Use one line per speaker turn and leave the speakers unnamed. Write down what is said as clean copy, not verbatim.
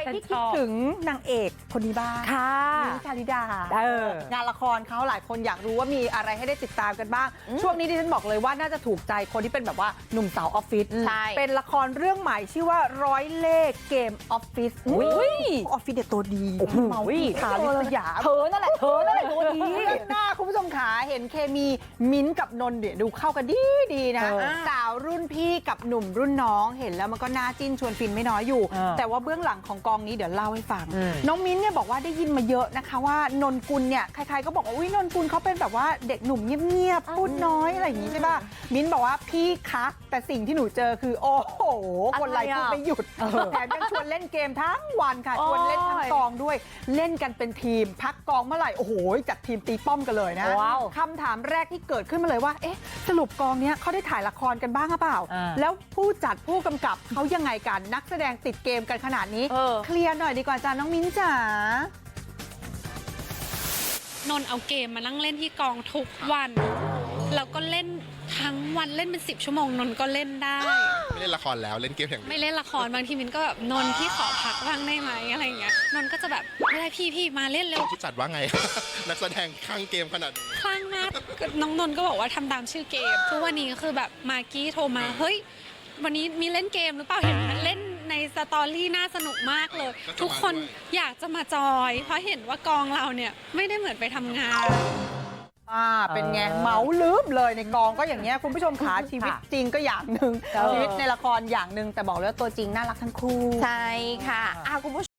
ที่คิดถึงนางเอกคนนี้บ้าง
ค่ะ
มิ้นท์ชาลิดางานละครเขาหลายคนอยากรู้ว่ามีอะไรให้ได้ติดตามกันบ้างช่วงนี้ดิฉันบอกเลยว่าน่าจะถูกใจคนที่เป็นแบบว่าหนุ่มสาวออฟฟิศเป็นละครเรื่องใหม่ชื่อว่าร้อยเล่ห์เกมออฟฟิศออฟฟิศเด็ดตัวดีเมาขาลิสยาเธอนั่นแหละตัวดีหน้าคุณผู้ชมขาเห็นเคมีมิ้นท์กับนนท์เนี่ยดูเข้ากันดีนะสาวรุ่นพี่กับหนุ่มรุ่นน้องเห็นแล้วมันก็น่าจิ้นชวนฟินไม่น้อยอยู่แต่ว่าเบื้องหลังของกองนี้เดี๋ยวเล่าให้ฟังน้องมิ้นท์เนี่ยบอกว่าได้ยินมาเยอะนะคะว่านนกุลเนี่ยใครๆก็บอกว่าอุ้ยนนกุลเขาเป็นแบบว่าเด็กหนุ่มเงียบๆพูดน้อยอะไรอย่างงี้ใช่ป่ะมิ้นท์บอกว่าพี่คะแต่สิ่งที่หนูเจอคือโอ้โหคนไลฟ์พูดไม่หยุดแถมยังชวนเล่นเกมทั้งวันค่ะชวนเล่นทั้งกองด้วยเล่นกันเป็นทีมพักกองเมื่อไหร่โอ้โหจัดทีมตีป้อมกันเลยนะคำถามแรกที่เกิดขึ้นมาเลยว่าเอ๊ะสรุปกองเนี้ยเขาได้ถ่ายละครกันบ้างหรือเปล่าแล้วผู้จัดผู้กำกับเขายังไงกันนักแสดงติดเกมกันขนาดนี้เคลียร์หน่อยดีกว่าจ้าน้องมิ้นจ๋าน
นเอาเกมมานั่งเล่นที่กองทุกวันแล้วก็เล่นทั้งวันเล่นเป็น10 ชั่วโมงนนก็เล่นได้
ไม่เล่นละครแล้วเล่นเกมอย่างเดียว
ไม่เล่นละครบางทีมินก็แบบนนพี่ขอพักบ้างได้ไหมอะไรอย่างเงี้ยนนก็จะแบบไม่ได้พี่มาเล่นเร็ว
ผู้จัดว่าไง นักแสดงข้างเกมขนาดนี้
คลั่งมากน้องนนก็บอกว่าทำตามชื่อเกมทุกวันนี้ก็คือแบบมากกี้โทรมาเฮ้ยวันนี้มีเล่นเกมหรือเปล่าเห็นเล่นในสตอรี่น่าสนุกมากเลยทุกคนอยากจะมาจอยเพราะเห็นว่ากองเราเนี่ยไม่ได้เหมือนไปทำงาน
เป็นไงเมาลืบเลยในกองก็อย่างเงี้ยคุณผู้ชมขาชีวิตจริงก็อย่างหนึ่งชีวิตในละครอย่างหนึ่งแต่บอกเลยว่าตัวจริงน่ารักทั้งคู่
ใช่ค่ะคุณผู้ชม